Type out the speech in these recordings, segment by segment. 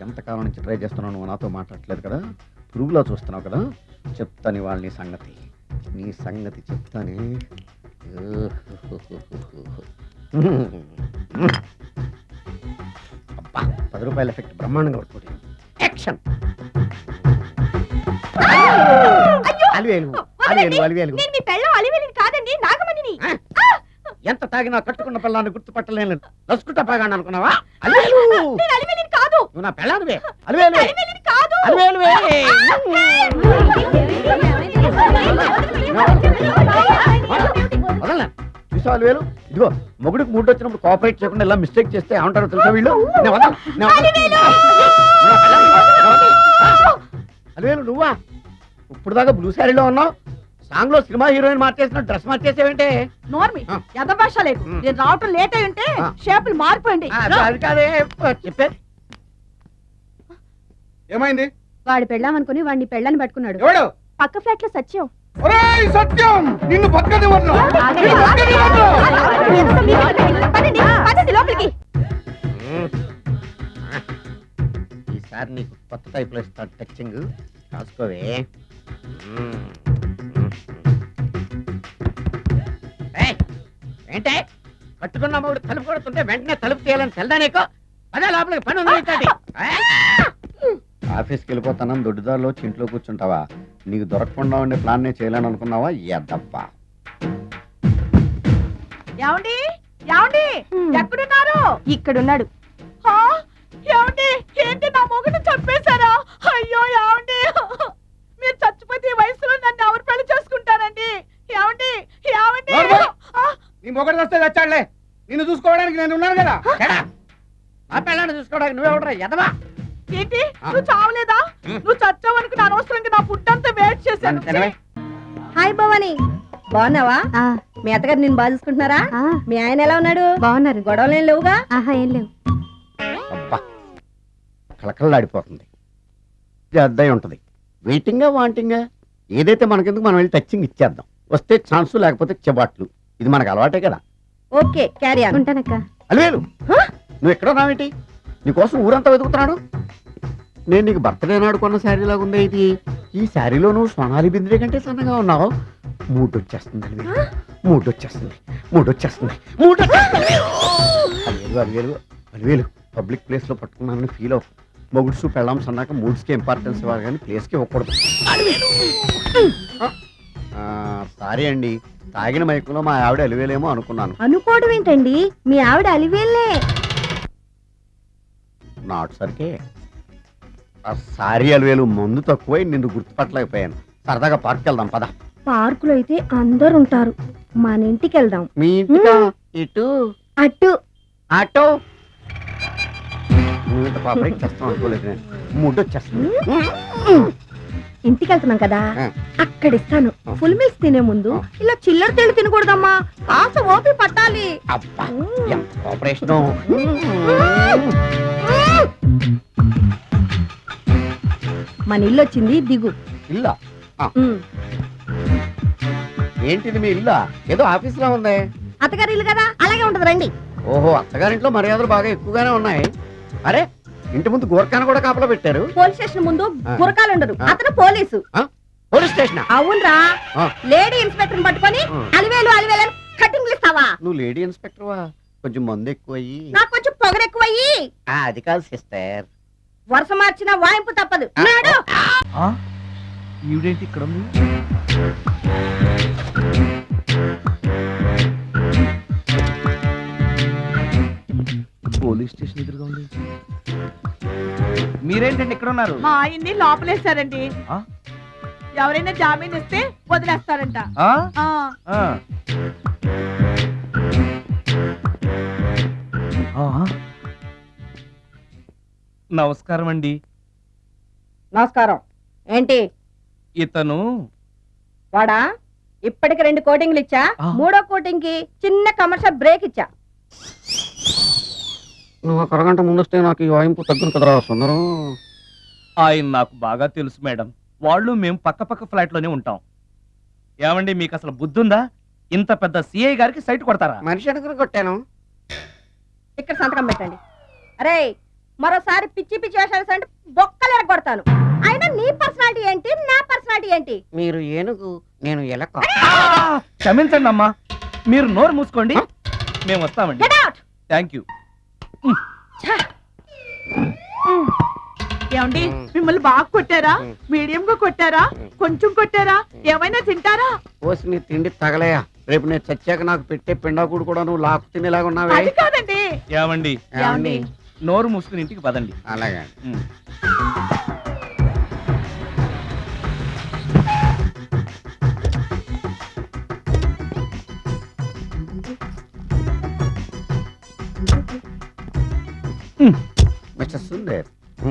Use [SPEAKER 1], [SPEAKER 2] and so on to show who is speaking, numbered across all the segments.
[SPEAKER 1] ఎంతకాలం నుంచి ట్రై చేస్తున్నావు, నువ్వు నాతో మాట్లాడట్లేదు కదా, పురుగులో చూస్తున్నావు కదా, చెప్తాను ఇవాళ నీ సంగతి చెప్తానే. అబ్బా, 10 రూపాయల ఎఫెక్ట్ బ్రహ్మాండంగా పడుతుంది. యాక్షన్. ఎంత తాగినా కట్టుకున్న పిల్లాన్ని గుర్తుపట్టలేను. నసుకుంటా బాగా అనుకున్నావా? నువ్వు నా పిల్లానివే. చూసా అలివేలు, ఇదిగో మొగుడికి మూడు వచ్చినప్పుడు కోఆపరేట్ చేయకుండా ఇలా మిస్టేక్ చేస్తే ఏమంటారో తెలుసా వీళ్ళు? అలివేలు నువ్వా? ఇప్పుడు దాకా బ్లూ శారీలో ఉన్నావు, సాంగ్ లో సినిమా హీరోయిన్ మార్చేసిన డ్రెస్ మార్చేసేవంటే?
[SPEAKER 2] నోర్మి భాష లేదు, నేను రావటం లేట్ అయి ఉంటే షేపులు మారిపోయింది.
[SPEAKER 1] అది కాదే చెప్పేది.
[SPEAKER 3] ఏమైంది?
[SPEAKER 2] వాడి పెళ్ళామనుకుని వాడిని పెళ్ళని పట్టుకున్నాడు.
[SPEAKER 3] ఎవడు?
[SPEAKER 2] పక్క ఫ్లాట్ లో సత్యం.
[SPEAKER 3] సత్యం నిన్ను
[SPEAKER 2] లోపలికి.
[SPEAKER 1] ఈసారి నీకు కొత్త టైప్ లో ఇస్తాను టచింగ్, కాసుకోవే. ఏంటే కట్టుకున్న మూడు తలుపు కొడుతుంటే వెంటనే తలుపు తీయాలని తెల్దా నీకు? అదే లోపలికి పని ఉంది. ఆఫీస్కి వెళ్ళిపోతాను, దొడ్డుదారిలో ఇంట్లో కూర్చుంటావా? నీకు దొరకకుండా ఉండే ప్లాన్ నేను చేయాలని అనుకున్నావా? ఎద్దప్పా.
[SPEAKER 2] ఏమండి ఏమండి ఎక్కడున్నారు? ఇక్కడున్నాడు. ఏమండి ఏంటి నా మొగుడు చంపేశారా? అయ్యో ఏమండి, మీరు చచ్చిపోతే ఈ వయసులో నన్ను ఎవరు పెళ్లి చేసుకుంటారండి? ఏమండి ఏమండి.
[SPEAKER 3] నీ మొగుడు వస్తే చచ్చాడులే, నిన్ను చూసుకోవడానికి నేను ఉన్నాను కదా.
[SPEAKER 1] ఆ పిల్లని చూసుకోవడానికి నువ్వెవడరా ఎదవా?
[SPEAKER 2] ఏంటి నువ్వు చావలేదా? నువ్వు చచ్చావనుకుని అనవసరంగా నా ఫుడ్ అంతా వేస్ట్ చేశాను.
[SPEAKER 4] హాయ్ భవాని, బాగున్నావా? మీ అత్తగారు నేను బాగా చూసుకుంటున్నారా? మీ ఆయన ఎలా ఉన్నాడు?
[SPEAKER 2] బాగున్నారు.
[SPEAKER 4] గొడవలు ఏం లేవుగా?
[SPEAKER 2] ఏం లేవు.
[SPEAKER 1] అబ్బా కళకళలాడిపోతుంది. అద్దయి ఉంటది. వెయిటింగా వాంటింగా ఏదైతే మనకెందుకు, మనం వెళ్ళి టచింగ్ ఇచ్చేద్దాం. వస్తే ఛాన్సు, లేకపోతే చెబాట్లు. ఇది మనకు అలవాటే కదా.
[SPEAKER 4] Okay carry on.
[SPEAKER 2] ఉంటానక్క.
[SPEAKER 1] అలివేలు నువ్వు ఎక్కడో నావేంటి? నీకోసం ఊరంతా వెతుకుతున్నాడు. నేను నీకు బర్త్డే నాడు కొన్న శారీ లాగా ఉంది ఇది. ఈ శారీలో నువ్వు సోనాలి బింద్రే కంటే సన్నగా ఉన్నావు. మూడొచ్చేస్తుంది అలివేలు, మూడొచ్చేస్తుంది, మూడొచ్చేస్తుంది, అలివేలు అలివేలు. పబ్లిక్ ప్లేస్ లో పట్టుకున్నానని ఫీల్ అవ్వు. మొగుడ్సు పెళ్ళాం సన్నాక మూడ్స్కి ఇంపార్టెన్స్ ఇవ్వాలి కానీ ప్లేస్కి ఇవ్వకూడదు. సారీ అండి, తాగిన మైకులో మా ఆవిడ అలివేలేమో అనుకున్నాను.
[SPEAKER 4] అనుకోవడం ఏంటండి, మీ ఆవిడ అలివేలే.
[SPEAKER 1] నాట్ సరికే. సారీ అలివేలు, మందు తక్కువై నిన్ను గుర్తుపట్టలేకపోయాను. సరదాగా పార్క్ వెళ్దాం పద.
[SPEAKER 4] పార్కులో అయితే అందరు ఉంటారు, మన ఇంటికి వెళ్దాం.
[SPEAKER 1] మీ ఇంటికా? ఇటు
[SPEAKER 4] అటు
[SPEAKER 1] ఆటో. నువ్వు ఇంత పాపరేట్ చేస్తాం అనుకోలేదు. మూడు వచ్చేస్తుంది.
[SPEAKER 4] ఇంటికి వెళ్తున్నాం కదా, అక్కడ ఇస్తాను. ఫుల్ మీల్స్ తినే ముందు ఇలా చిల్లర తెళ్ళు తినకూడదమ్మా, కాస్త ఓపి పట్టాలి.
[SPEAKER 1] అబ్బా ఎంత కోఆపరేషన్.
[SPEAKER 4] మన ఇల్లు వచ్చింది, దిగు.
[SPEAKER 1] ఇల్లా? ఏంటిది మీ ఇల్లా? ఏదో ఆఫీస్ లో ఉంది.
[SPEAKER 4] అత్తగారి ఇల్లు కదా, అలాగే ఉంటది, రండి.
[SPEAKER 1] ఓహో, అత్తగారింట్లో మర్యాదలు బాగా ఎక్కువగానే ఉన్నాయి. అరే ఇంటి ముందు గోర్ఖాను కూడా కాపలా పెట్టారు.
[SPEAKER 4] పోలీస్ స్టేషన్ ముందు గురకాలు ఉండరు, అతను పోలీసు.
[SPEAKER 1] Police station?
[SPEAKER 4] అవునరా, లేడీ ఇన్స్పెక్టర్ పట్టుకొని అలివేలు అలివేలు కటింగ్లు ఇస్తావా?
[SPEAKER 1] నువ్వు లేడీ ఇన్స్పెక్టర్ వా? కొంచెం మందు ఎక్కువయ్యి,
[SPEAKER 4] నాకు కొంచెం పొగరు ఎక్కువయ్యి.
[SPEAKER 1] అది కాదు సిస్టర్,
[SPEAKER 4] వరుస మార్చిన వాయింపు తప్పదు.
[SPEAKER 3] ఈవిడేంటి ఇక్కడ ఉంది? పోలీస్ స్టేషన్ ఎదురుగా ఉంది. మీరేంటండి ఇక్కడ ఉన్నారు?
[SPEAKER 2] మా ఆయన్ని లోపలేస్తారండి. ఎవరైనా జామీన్ ఇస్తే వదిలేస్తారంట.
[SPEAKER 3] నమస్కారం అండి.
[SPEAKER 4] నమస్కారం. ఏంటి
[SPEAKER 3] ఇతను?
[SPEAKER 4] వాడా, ఇప్పటికి 2 కోటింగ్లు ఇచ్చా, 3వ కోటింగ్ కి చిన్న కమర్షియల్ బ్రేక్ ఇచ్చా.
[SPEAKER 1] నువ్వు ఒక అరగంట ముందొస్తే నాకు ఈ వాయింపు తగ్గును కదరా సుందరం.
[SPEAKER 3] ఆయన నాకు బాగా తెలుసు మేడం, వాళ్ళు మేము పక్క పక్క ఫ్లాట్ లోనే ఉంటాం. ఏమండి మీకు అసలు బుద్ధి ఉందా? ఇంత పెద్ద సిఐ గారికి సైట్ కొడతారా?
[SPEAKER 1] మనిషి అడుగురు కొట్టాను.
[SPEAKER 4] ఇక్కడ సంతకం పెట్టండి. అరే మరోసారి పిచ్చి పిచ్చి వేషాలు అంటే బొక్కలు ఎరగొడతాను. అయినా నీ పర్సనాలిటీ ఏంటి, నా పర్సనాలిటీ ఏంటి?
[SPEAKER 1] మీరు ఏనుగు, నేను ఎలక.
[SPEAKER 3] క్షమించండి అమ్మా, మీరు నోరు మూసుకోండి, మేము వస్తామండి.
[SPEAKER 4] Get out!
[SPEAKER 3] Thank you.
[SPEAKER 2] ఏమండి మిమ్మల్ని బాగా కొట్టారా, మీడియం గా కొట్టారా, కొంచెం కొట్టారా, ఏమైనా తింటారా?
[SPEAKER 1] పోసి నీ తిండి తగలయా, రేపు నేను చచ్చాక నాకు పెట్టే పిండాకుడు కూడా నువ్వు లాక్కు తినేలాగా ఉన్నావే.
[SPEAKER 2] అది కాదండి.
[SPEAKER 3] ఏమండి,
[SPEAKER 2] ఏమండి?
[SPEAKER 3] నోరు మూసుకుని ఇంటికి పదండి.
[SPEAKER 1] అలాగే.
[SPEAKER 3] Um.
[SPEAKER 1] Mister Sundar,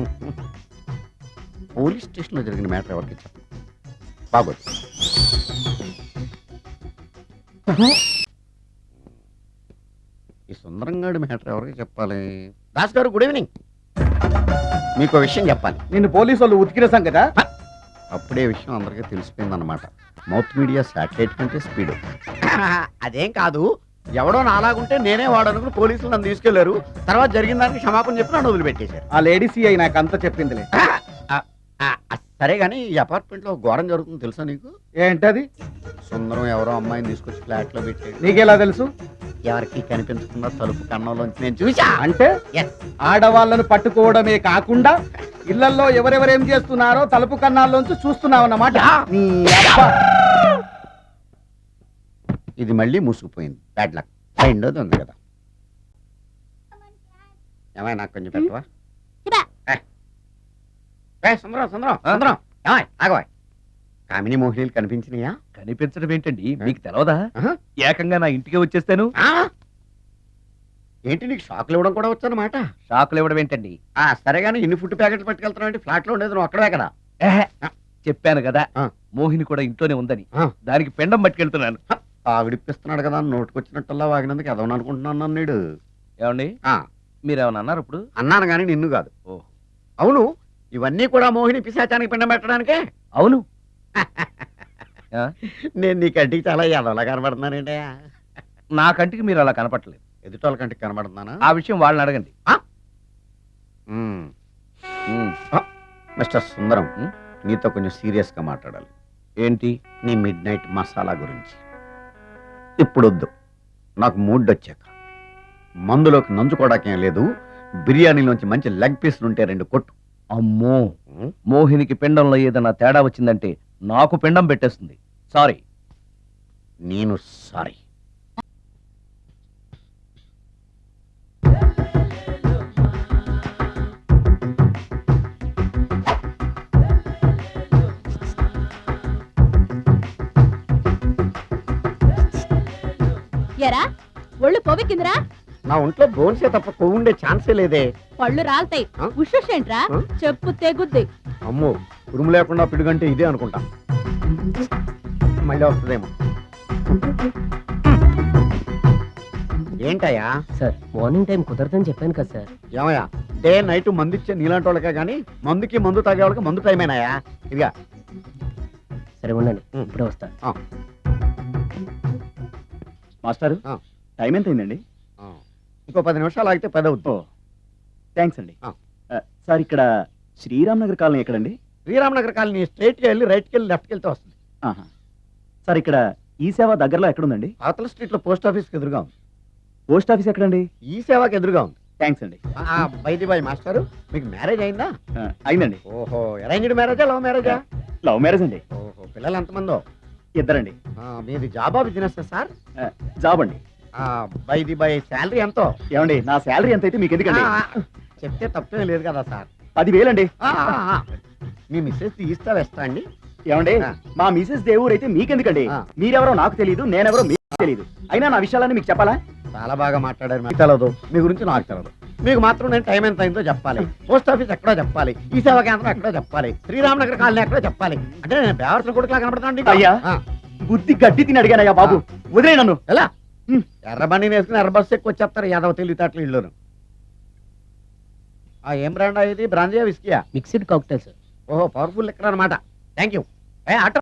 [SPEAKER 1] police station లో జరిగిన మ్యాటర్ ఎవరికి చెప్పు. బాగోదు. ఈ సుందరంగాడి మ్యాటర్ ఎవరికి చెప్పాలి? దాస్ గారు, గుడ్ ఈవినింగ్. మీకు విషయం చెప్పాలి.
[SPEAKER 5] నిన్ను పోలీసు వాళ్ళు ఉతికిరేసాం కదా.
[SPEAKER 1] అప్పుడే విషయం అందరికీ తెలిసిపోయిందన్నమాట. మౌత్ మీడియా శాటిలైట్ కంటే స్పీడ్. అదేం కాదు, ఎవడో నాలాగుంటే నేనే వాడనుకుని పోలీసులు నన్ను తీసుకెళ్లారు. తర్వాత జరిగిన దానికి క్షమాపణ చెప్పి నన్ను వదిలిపెట్టేశారు.
[SPEAKER 5] ఆ లేడీ సిఐ నాకు అంతా చెప్పిందిలే.
[SPEAKER 1] సరే గానీ ఈ అపార్ట్మెంట్ లో ఘోరం జరుగుతుంది తెలుసా నీకు?
[SPEAKER 5] ఏంటది?
[SPEAKER 1] సుందరం ఎవరో అమ్మాయిని తీసుకొచ్చి ఫ్లాట్ లో పెట్టాడు.
[SPEAKER 5] నీకెలా తెలుసు?
[SPEAKER 1] ఎవరికి కనిపించకుండా తలుపు కన్నంలోంచి నేను చూసా.
[SPEAKER 5] అంటే ఆడవాళ్ళను పట్టుకోవడమే కాకుండా ఇళ్లలో ఎవరెవరేం చేస్తున్నారో తలుపు కన్నాల్లోంచి చూస్తున్నావు అన్నమాట. నీ అబ్బా.
[SPEAKER 1] ఇది మళ్ళీ మూసుకుపోయింది. Bad luck. రెండోది ఉంది కదా. ఏమై నాకు కొంచెం పెట్టవా? సుందరం సుందరం సుందరం, ఏమై ఆగవా? కామిని మోహినీలు కనిపించినాయా?
[SPEAKER 3] కనిపించడం ఏంటండి, మీకు తెలవదా?
[SPEAKER 1] ఆహా.
[SPEAKER 3] ఏకంగా నా ఇంటికే వచ్చేస్తాను.
[SPEAKER 1] ఏంటి నీకు షాక్లు ఇవ్వడం కూడా వచ్చానమాట?
[SPEAKER 3] షాకులు ఇవ్వడం ఏంటండి?
[SPEAKER 1] సరే గానీ ఇన్ని ఫుడ్ ప్యాకెట్లు పట్టుకెళ్తున్నావు అంటే ఫ్లాట్ లో ఉండేది నువ్వు అక్కడే కదా.
[SPEAKER 3] ఏహే, చెప్పాను కదా
[SPEAKER 1] ఆ.
[SPEAKER 3] మోహిని కూడా ఇంట్లోనే ఉందని.
[SPEAKER 1] ఆ.
[SPEAKER 3] దానికి పెండం పట్టుకెళ్తున్నాను.
[SPEAKER 1] ఆవిడిప్పిస్తున్నాడు కదా, నోటుకొచ్చినట్టల్లా వాగినందుకు ఎదవని అనుకుంటున్నాను నీడు.
[SPEAKER 3] ఏమండి, మీరేమన్నా అన్నారు ఇప్పుడు?
[SPEAKER 1] అన్నాను గానీ నిన్ను కాదు.
[SPEAKER 3] ఓ.
[SPEAKER 1] అవును, ఇవన్నీ కూడా మోహిని పిశాచానికి పిండం పెట్టడానికే.
[SPEAKER 3] అవును. ఆ?
[SPEAKER 1] నేను నీ కంటికి చాలా ఎదవలా కనబడుతున్నానండి.
[SPEAKER 3] నా కంటికి మీరు అలా కనపట్లేదు.
[SPEAKER 1] ఎదుటోళ్ళ కంటికి కనబడుతున్నానా?
[SPEAKER 3] ఆ విషయం వాళ్ళని అడగండి.
[SPEAKER 1] Hmm.
[SPEAKER 3] Um.
[SPEAKER 1] Mister Sundaram,
[SPEAKER 3] um.
[SPEAKER 1] నీతో కొంచెం సీరియస్ గా మాట్లాడాలి.
[SPEAKER 3] ఏంటి?
[SPEAKER 1] నీ మిడ్ నైట్ మసాలా గురించి. ఇప్పుడు వద్దు, నాకు మూడ్ వచ్చాక. మందులోకి నంచుకోవడాకేం లేదు, బిర్యానీలోంచి మంచి లెగ్ పీస్లు ఉంటే 2 కొట్టు.
[SPEAKER 3] అమ్మో, మోహినికి పిండంలో ఏదైనా తేడా వచ్చిందంటే నాకు పిండం పెట్టేస్తుంది. సారీ.
[SPEAKER 1] నేను సారీ.
[SPEAKER 4] ఎరా ఒళ్ళు కొవ్వెక్కిందిరా?
[SPEAKER 1] నా ఒంట్లో బోన్సే తప్ప కొవ్వు ఉండే ఛాన్సే లేదే.
[SPEAKER 4] పళ్ళు రాల్తాయి.
[SPEAKER 1] ఆ?
[SPEAKER 4] ఉషేంట్రా?
[SPEAKER 1] ఆ?
[SPEAKER 4] చెప్పు తెగుద్ది.
[SPEAKER 1] అమ్మో, ఉరుము లేకుండా పిడుగంటే ఇదే అనుకుంటా. మళ్ళీ వస్తుందేమో. ఏంటయ్యా?
[SPEAKER 6] సార్ మార్నింగ్ టైం కుదరదని చెప్పాను కదా సార్.
[SPEAKER 1] ఏమయ్యా, డే నైట్ మందు ఇచ్చే నీలాంటి వాళ్ళకే కానీ మందుకి మందు తాగే వాళ్ళకి మందు టైమేనాయా? ఇదిగా.
[SPEAKER 6] సరే ఉండండి, ఇప్పుడే వస్తా.
[SPEAKER 5] మాస్టారు,
[SPEAKER 1] ఆ.
[SPEAKER 5] టైం ఎంత అయిందండి?
[SPEAKER 1] ఇంకో 10 నిమిషాలు ఆగితే 10 అవుతుంది.
[SPEAKER 5] థ్యాంక్స్ అండి.
[SPEAKER 1] ఆ.
[SPEAKER 5] సార్ ఇక్కడ శ్రీరామ్ నగర్ కాలనీ ఎక్కడండి?
[SPEAKER 1] శ్రీరామనగర్ కాలనీ స్ట్రైట్కి వెళ్ళి రైట్కి వెళ్ళి లెఫ్ట్కి వెళ్తే వస్తుంది.
[SPEAKER 5] ఆహా. సార్ ఇక్కడ ఈ సేవ దగ్గరలో ఎక్కడుందండి?
[SPEAKER 1] అవతల స్ట్రీట్లో పోస్ట్ ఆఫీస్కి ఎదురుగా ఉంది.
[SPEAKER 5] పోస్ట్ ఆఫీస్ ఎక్కడండి?
[SPEAKER 1] ఈ సేవకి ఎదురుగా ఉంది.
[SPEAKER 5] థ్యాంక్స్ అండి.
[SPEAKER 1] బైది బాయ్ మాస్టారు, మీకు మ్యారేజ్ అయిందా?
[SPEAKER 5] అయిందండి.
[SPEAKER 1] ఓహో, అరేంజ్డ్ మ్యారేజా లవ్ మ్యారేజా?
[SPEAKER 5] లవ్ మ్యారేజ్ అండి.
[SPEAKER 1] ఓహో, పిల్లలు ఎంతమందో?
[SPEAKER 5] ఇద్దరండి.
[SPEAKER 1] మీది జాబా బిజినెస్ సార్?
[SPEAKER 5] జాబ్ అండి.
[SPEAKER 1] బైది బై శాలరీ ఎంతో?
[SPEAKER 5] ఏమండి, నా శాలరీ ఎంత అయితే మీకు ఎందుకండి?
[SPEAKER 1] చెప్తే తప్పేం లేదు కదా సార్.
[SPEAKER 5] 10,000 అండి.
[SPEAKER 1] మీ మిస్సెస్ ఈస్తా వెస్తా అండి?
[SPEAKER 5] ఏమండి,
[SPEAKER 1] ఆ.
[SPEAKER 5] మా మిసెస్ దేవుడు అయితే మీకెందుకండి?
[SPEAKER 1] ఆ.
[SPEAKER 5] మీరెవరో నాకు తెలియదు, నేనెవరో మీకు తెలియదు. అయినా నా విషయాలన్నీ మీకు చెప్పాలా?
[SPEAKER 1] చాలా బాగా మాట్లాడారు. మీకు తెలదు, మీ గురించి నాకు తెలదు. మీకు మాత్రం నేను టైం ఎంత అయిందో చెప్పాలి, పోస్ట్ ఆఫీస్ ఎక్కడో చెప్పాలి, ఈ సేవా కేంద్రం ఎక్కడో చెప్పాలి, శ్రీరామనగర్ కాలనీ ఎక్కడో చెప్పాలి. అంటే నేను బేవర్సన కొడుకులా కనబడతాను.
[SPEAKER 5] అయ్యా. బుద్ధి గడ్డి తిని అడిగానయ్యా బాబు, వదిలే నన్ను.
[SPEAKER 1] ఎలా? ఎర్రబండి వేసుకుని ఎర్ర బస్సు ఎక్కువ వచ్చేస్తారు యాదవ తెలివితేటలు ఇళ్ళును. ఏం బ్రాండ్ ఇది? బ్రాంజియా విస్కియా?
[SPEAKER 6] Mixed cocktail sir.
[SPEAKER 1] ఓహో, పవర్ఫుల్ ఎక్కడ అనమాట. Thank you. ఆటో